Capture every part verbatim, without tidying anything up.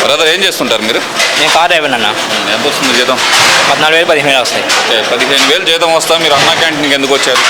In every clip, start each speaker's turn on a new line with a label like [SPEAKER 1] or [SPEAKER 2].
[SPEAKER 1] Brother ఏం చేస్తుంటారు మీరు?
[SPEAKER 2] నేను కార్ డ్రైవర్ అన్న.
[SPEAKER 1] ఎంత వస్తుంది జీతం?
[SPEAKER 2] పద్నాలుగు వేలు పదిహేను వేలు వస్తాయి.
[SPEAKER 1] పదిహేను వేలు జీతం వస్తా మీరు అన్నా క్యాంటీన్కి ఎందుకు వచ్చారు?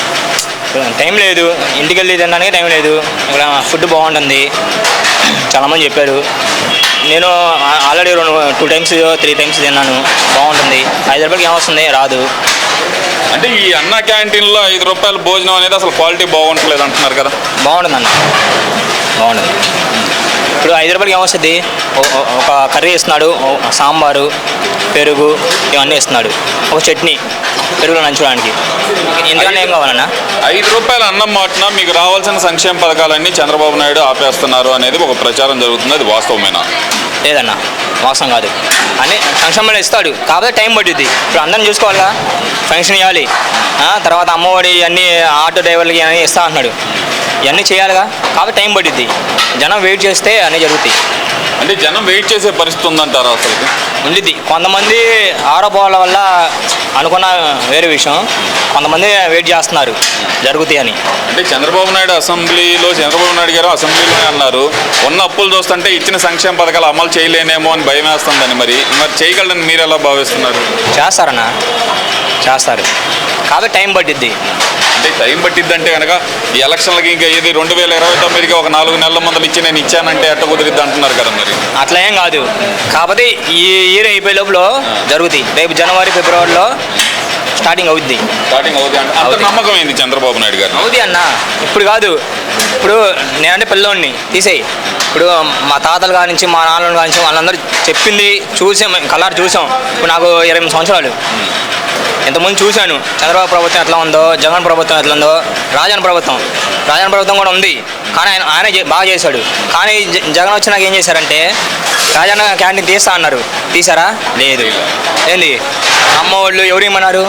[SPEAKER 2] టైం లేదు, ఇంటికి వెళ్ళి తినడానికి టైం లేదు. ఇక్కడ ఫుడ్ బాగుంటుంది, చాలామంది చెప్పారు. నేను ఆల్రెడీ రెండు టూ టైమ్స్ త్రీ టైమ్స్ తిన్నాను, బాగుంటుంది. ఐదు రూపాయలకి ఏమొస్తుంది, రాదు.
[SPEAKER 1] అంటే ఈ అన్న క్యాంటీన్లో ఐదు రూపాయల భోజనం అనేది అసలు క్వాలిటీ బాగుంటలేదు అంటున్నారు కదా?
[SPEAKER 2] బాగుంటుంది అన్న, బాగుంటుంది. ఇప్పుడు ఐదు రూపాయలకి ఏమొస్తుంది, ఒక కర్రీ ఇస్తున్నాడు, సాంబారు, పెరుగు ఇవన్నీ ఇస్తున్నాడు, ఒక చట్నీ పెరుగులో నంచుకోవడానికి. ఇంతకన్నా ఏం కావాలన్నా?
[SPEAKER 1] ఐదు రూపాయల అన్నం మాటిన మీకు రావాల్సిన సంక్షేమ పథకాలన్నీ చంద్రబాబు నాయుడు ఆపేస్తున్నారు అనేది ఒక ప్రచారం జరుగుతుంది, అది వాస్తవమేనా?
[SPEAKER 2] లేదన్నా, మోసం కాదు. అన్నీ సంక్షేమంలో ఇస్తాడు, కాకపోతే టైం పడుద్ది. ఇప్పుడు అందరం చూసుకోవాలిగా, ఫంక్షన్ ఇవ్వాలి, తర్వాత అమ్మఒడి అన్నీ ఆటో డ్రైవర్లకి అన్నీ ఇస్తా అంటున్నాడు, ఇవన్నీ చేయాలిగా, కాబట్టి టైం పడుద్ది. జనం వెయిట్ చేస్తే అన్నీ జరుగుతాయి.
[SPEAKER 1] అంటే జనం వెయిట్ చేసే పరిస్థితి ఉందంటారా? అసలు
[SPEAKER 2] ఉండిద్ది. కొంతమంది ఆరోపణల వల్ల అనుకున్న వేరే విషయం, కొంతమంది వెయిట్ చేస్తున్నారు జరుగుతాయి అని.
[SPEAKER 1] అంటే చంద్రబాబు నాయుడు అసెంబ్లీలో చంద్రబాబు నాయుడు గారు అసెంబ్లీలోనే అన్నారు, ఉన్న అప్పులు చూస్తుంటే ఇచ్చిన సంక్షేమ పథకాలు అమలు చేయలేనేమో అని భయం వేస్తుందని. మరి మరి చేయగలరని మీరు ఎలా భావిస్తున్నారు?
[SPEAKER 2] చేస్తారన్నా, చేస్తారు, కాబట్టి టైం పట్టిద్ది.
[SPEAKER 1] అంటే టైం పట్టిద్ది అంటే కనుక ఈ ఎలక్షన్లకి ఇంకా ఇది రెండు వేల ఇరవై తొమ్మిదికి ఒక నాలుగు నెలల ముందలు ఇచ్చి నేను ఇచ్చానంటే ఎట్ట కుదిరిద్ది అంటున్నారు కదా? మరి
[SPEAKER 2] అట్లా ఏం కాదు, కాకపోతే ఈ ఇయర్ అయిపోయే లోపల జరుగుతాయి. రేపు జనవరి ఫిబ్రవరిలో స్టార్టింగ్ అవుద్ది.
[SPEAKER 1] స్టార్టింగ్ అవుద్ది అంటే అంత నమ్మకం ఏంది చంద్రబాబు నాయుడు గారు?
[SPEAKER 2] అవుద్ది అన్న, ఇప్పుడు కాదు. ఇప్పుడు నేనంటే పిల్లోడిని తీసేయి. ఇప్పుడు మా తాతల కాడి నుంచి మా నాన్నల కాడి నుంచి వాళ్ళందరూ చెప్పింది చూసాం, కలర్ చూసాం. ఇప్పుడు నాకు ఇరవై ఎనిమిది సంవత్సరాలు. ఇంతకుముందు చూశాను చంద్రబాబు ప్రభుత్వం ఎట్లా ఉందో, జగన్ ప్రభుత్వం ఎట్లా ఉందో, రాజన్ ప్రభుత్వం రాజన్ ప్రభుత్వం కూడా ఉంది. కానీ ఆయన ఆయన బాగా చేశాడు. కానీ జగన్ వచ్చినాక ఏం చేశారంటే రాజన్న క్యాంటీన్ తీస్తా అన్నారు, తీసారా? లేదు. ఏంది అమ్మ వాళ్ళు ఎవరు ఇమ్మన్నారు?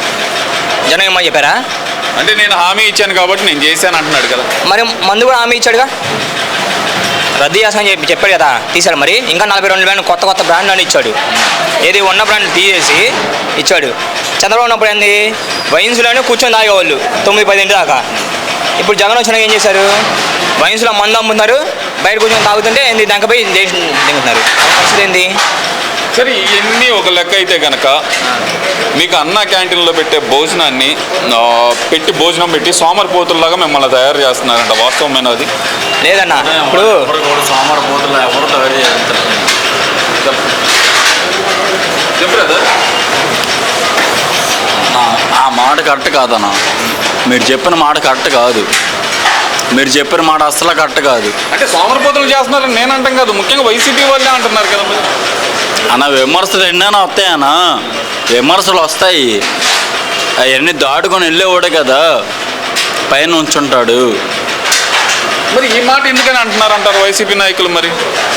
[SPEAKER 2] జనం ఇమ్మని చెప్పారా?
[SPEAKER 1] అంటే నేను హామీ ఇచ్చాను కాబట్టి నేను చేశాను అంటున్నాడు కదా.
[SPEAKER 2] మరి మందు కూడా హామీ ఇచ్చాడుగా, రద్దు చేస్తామని చెప్పి చెప్పాడు కదా, తీశాడు. మరి ఇంకా నలభై రెండు బ్రాండ్ కొత్త కొత్త బ్రాండ్ అని ఇచ్చాడు. ఏది ఉన్న బ్రాండ్ తీసేసి ఇచ్చాడు. చంద్రబాబు ఉన్నప్పుడు ఏంది, వైన్స్లోనే కూర్చొని తాగేవాళ్ళు తొమ్మిది పదింటి దాకా. ఇప్పుడు జగన్ వచ్చినాక ఏం చేశారు, వైన్స్లో మందు అమ్ముతున్నారు, బయట కూర్చొని తాగుతుంటే ఏంది దానిపై దేశం దిగుతున్నారు. పరిస్థితి ఏంది?
[SPEAKER 1] సరే, ఇవన్నీ ఒక లెక్క అయితే కనుక మీకు అన్న క్యాంటీన్లో పెట్టే భోజనాన్ని పెట్టి భోజనం పెట్టి సోమరిపోతుల్లాగా మిమ్మల్ని తయారు చేస్తున్నారంట, వాస్తవమైన అది?
[SPEAKER 2] లేదన్న, ఇప్పుడు
[SPEAKER 3] సోమరిపోతులు ఎవరు తయారు చేస్తారు? ఆ మాట కరెక్ట్ కాదన్న, మీరు చెప్పిన మాట కరెక్ట్ కాదు. మీరు చెప్పిన మాట అస్సలు కరెక్ట్ కాదు.
[SPEAKER 1] అంటే సోమరిపోతులు చేస్తున్నారని నేను అంటాం కాదు, ముఖ్యంగా వైసీపీ వాళ్ళే అంటున్నారు కదా.
[SPEAKER 3] అన్న విమర్శలు ఎన్నైనా వస్తాయన్నా, విమర్శలు వస్తాయి, అవన్నీ దాటుకొని వెళ్ళేవాడే కదా పైన ఉంచుంటాడు.
[SPEAKER 1] మరి ఈ మాట ఎందుకని అంటున్నారు అంటారు వైసీపీ నాయకులు? మరి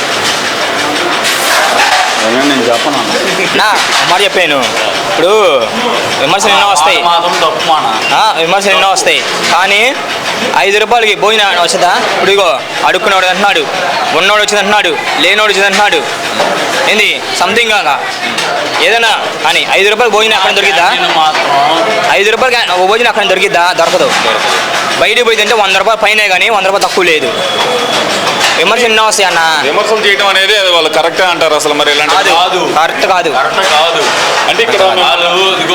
[SPEAKER 3] నేను చెప్పను
[SPEAKER 2] నా మాట చెప్పాను. ఇప్పుడు విమర్శలు ఎన్నో వస్తాయి,
[SPEAKER 3] మాత్రం తప్పు మాట.
[SPEAKER 2] విమర్శలు ఎన్నో వస్తాయి, కానీ ఐదు రూపాయలకి భోజనం వచ్చదా? ఇప్పుడు ఇగో అడుక్కునేవాడు అంటున్నాడు, ఉన్నోడు వచ్చింది అంటున్నాడు, లేనోడు వచ్చింది అంటున్నాడు. ఏంది సంథింగ్ కాగా ఏదైనా కానీ ఐదు రూపాయలు భోజనం అక్కడ దొరికిద్దా? ఐదు రూపాయలకి భోజనం అక్కడ దొరికిద్దా? దొరకదు. బయటికి పోయి తింటే వంద రూపాయలు పైనే కానీ వంద రూపాయలు తక్కువ లేదు. విమర్శలు ఎన్నో వస్తాయి అన్న.
[SPEAKER 1] విమర్శలు చేయడం అనేది అది వాళ్ళు కరెక్టే అంటారు అసలు? మరి ఇలాంటి
[SPEAKER 2] కాదు, కరెక్ట్ కాదు.
[SPEAKER 1] కాదు అంటే ఇక్కడ
[SPEAKER 3] ఇదిగో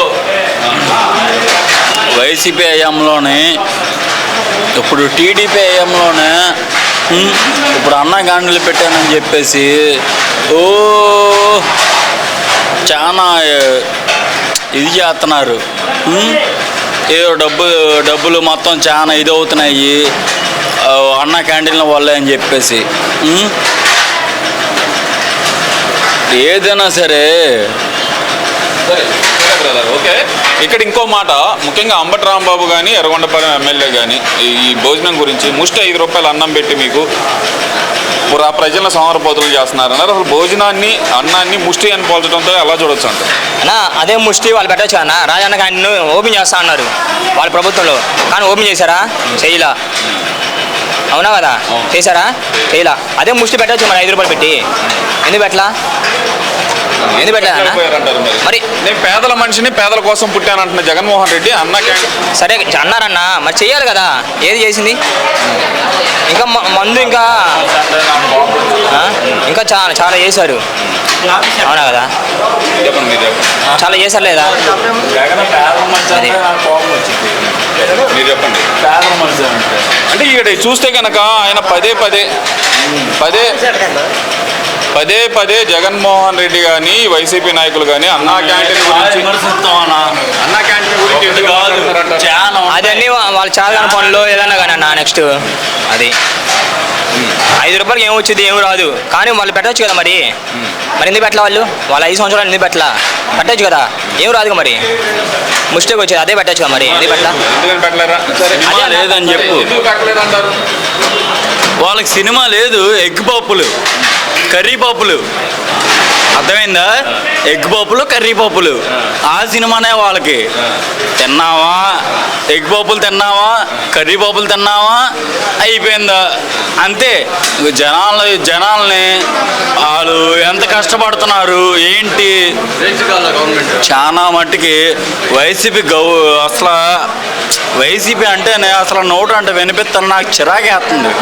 [SPEAKER 3] వైసీపీ హయాంలోనే, ఇప్పుడు టీడీపీ హయాంలోనే ఇప్పుడు అన్న క్యాంటీన్లు పెట్టానని చెప్పేసి ఓ చాలా ఇది చేస్తున్నారు. ఏదో డబ్బు డబ్బులు మొత్తం చాలా ఇది అవుతున్నాయి అన్న క్యాంటీన్ల వల్లే అని చెప్పేసి. ఏదైనా సరే
[SPEAKER 1] ఓకే. ఇక్కడ ఇంకో మాట, ముఖ్యంగా అంబటి రాంబాబు కానీ ఎర్రగొండపాలెం ఎమ్మెల్యే కానీ ఈ భోజనం గురించి ముష్టి ఐదు రూపాయలు అన్నం పెట్టి మీకు ఆ ప్రజలను సోమరిపోతులు చేస్తున్నారన్నారు. అసలు భోజనాన్ని అన్నాన్ని ముష్టి అని పోల్చడంతో ఎలా చూడొచ్చు అంటారు?
[SPEAKER 2] అన్న అదే ముష్టి వాళ్ళు పెట్టచ్చు అన్న. రాజన్న క్యాంటీన్ ఓపెన్ చేస్తా అన్నారు వాళ్ళ ప్రభుత్వంలో, కానీ ఓపెన్ చేశారా? చేయలా. అవునా కదా? చేశారా? చేయలా. అదే ముష్టి పెట్టచ్చు మరి ఐదు రూపాయలు పెట్టి. ఎందుకు పెట్టలా? ఎందుకు పెట్టలేదన్నా?
[SPEAKER 1] మరి నేను పేదల మనిషిని పేదల కోసం పుట్టానంటున్న జగన్మోహన్ రెడ్డి అన్న క్యాంటీన్
[SPEAKER 2] సరే అన్నారన్నా, మరి చెయ్యాలి కదా. ఏది చేసింది? ఇంకా మందు ఇంకా ఇంకా ఇంకా చాలా చాలా చేశారు, అవునా కదా?
[SPEAKER 1] చెప్పండి మీరు చెప్పండి
[SPEAKER 2] చాలా చేశారు లేదా?
[SPEAKER 3] జగన్ పేదల మనిషి అంటే నాకు కోపం వచ్చింది.
[SPEAKER 1] మీరు చెప్పండి.
[SPEAKER 3] పేదల మనిషి అంటే
[SPEAKER 1] అంటే ఇక్కడ చూస్తే కనుక ఆయన పదే పదే పదే పదే పదే జగన్మోహన్ రెడ్డి కానీ వైసీపీ నాయకులు కానీ అన్నా క్యాంటీన్ గురించి
[SPEAKER 3] విమర్శిస్తామన్నా
[SPEAKER 1] అన్నా క్యాంటీన్ గురించి ఎందుకు
[SPEAKER 3] కాదు
[SPEAKER 1] మాట్లాడుతున్నారంటారు?
[SPEAKER 3] చాలా
[SPEAKER 2] అదన్నీ వా- వాళ్ళు చాలా పనులు ఏదన్నా కానీ అన్న నెక్స్ట్ అది ఐదు రూపాయలకి ఏం వచ్చింది ఏమి రాదు, కానీ వాళ్ళు పెట్టవచ్చు కదా మరి. మరి ఎందుకు పెట్టాల వాళ్ళు? వాళ్ళ ఐదు సంవత్సరాలు ఎందుకు పెట్టాల? పెట్టచ్చు కదా, ఏం రాదుగా మరి. మిస్టేక్ వచ్చేది అదే పెట్టచ్చు కదా మరి, ఎందుకు పెట్టాల?
[SPEAKER 1] ఎందుకని పెట్టలేరా?
[SPEAKER 3] సినిమా లేదని చెప్పు.
[SPEAKER 1] ఎందుకు పెట్టలేదు అంటారు?
[SPEAKER 3] వాళ్ళకి సినిమా లేదు, ఎగ్ పప్పులు కర్రీ పప్పులు, అర్థమైందా? ఎగ్ పప్పులు కర్రీ పప్పులు ఆ సినిమానే వాళ్ళకి. తిన్నావా ఎగ్ పప్పులు, తిన్నావా కర్రీ పప్పులు, తిన్నావా అయిపోయిందా అంతే. జనాలు జనాల్ని వాళ్ళు ఎంత కష్టపడుతున్నారు ఏంటి చాలా మట్టుకి వైసీపీ గౌ అసలు వైసీపీ అంటేనే అసలు నోటు అంటే వినిపిస్తాను నాకు చిరాకేస్తుంది.